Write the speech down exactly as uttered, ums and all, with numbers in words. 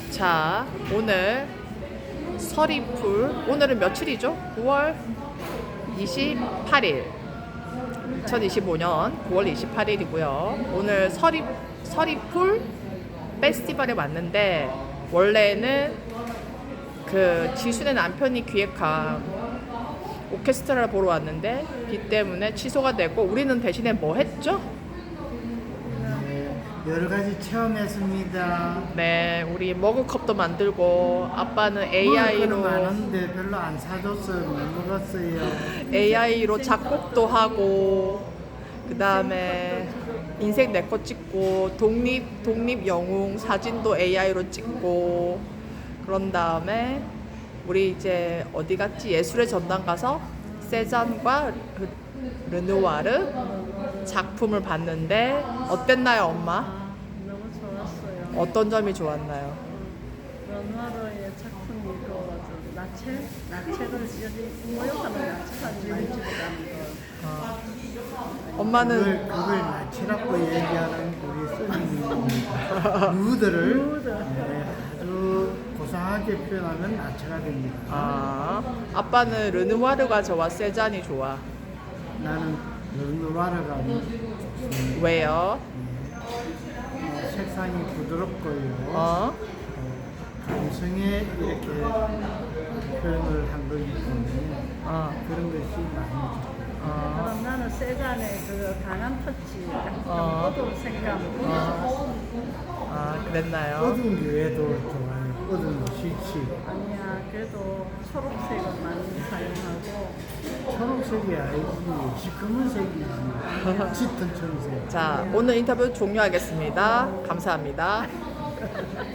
자, 오늘 서리풀. 오늘은 며칠이죠? 구월 이십팔일. 이천이십오 년 구월 이십팔일이고요. 오늘 서리 서리풀 페스티벌에 왔는데, 원래는 그 지순의 남편이 기획한 오케스트라를 보러 왔는데 비 때문에 취소가 되고, 우리는 대신에 뭐 했죠? 네, 여러 가지 체험했습니다. 네, 우리 머그컵도 만들고, 아빠는 먹을 에이아이로 거는 많은데 별로 안 사줬어요. 못 먹었어요. 에이아이로 작곡도 하고, 그 다음에 인생 내 거 찍고, 독립 독립 영웅 사진도 에이아이로 찍고, 그런 다음에 우리 이제 어디 갔지? 예술의 전당 가서 세잔과 르- 르누아르 작품을 봤는데 어땠나요, 엄마? 아, 너무 좋았어요. 어떤 점이 좋았나요? 르누아르의 작품이 그 나체, 나체를 여기 모욕하는 나체 사진 많이 찍었다는 거. 어. 엄마는 그걸, 그걸 나치라고 얘기하는 우리 스님입니다. 누드를 누드. 네, 아주 고상하게 표현하면 나치가 됩니다. 아, 아빠는 르누아르가 좋아, 세잔이 좋아? 나는 르누아르가 좋습니다. 왜요? 어, 색상이 부드럽고요. 어? 감성에 이렇게 표현을 한 거기 때문에 어. 그런 것이 많이 좋아요. 어. 그럼 나는 세잔의 그 강한 터치, 약간 어. 어두운 색감, 너무 어. 좋았어. 아, 그랬나요? 어두운 교회도 좋아요. 어두운 거 싫지. 아니야, 그래도 초록색을 많이 사용하고. 초록색이 아니지. 시커먼색이지. 짙은 청색. 자, 오늘 인터뷰 종료하겠습니다. 감사합니다.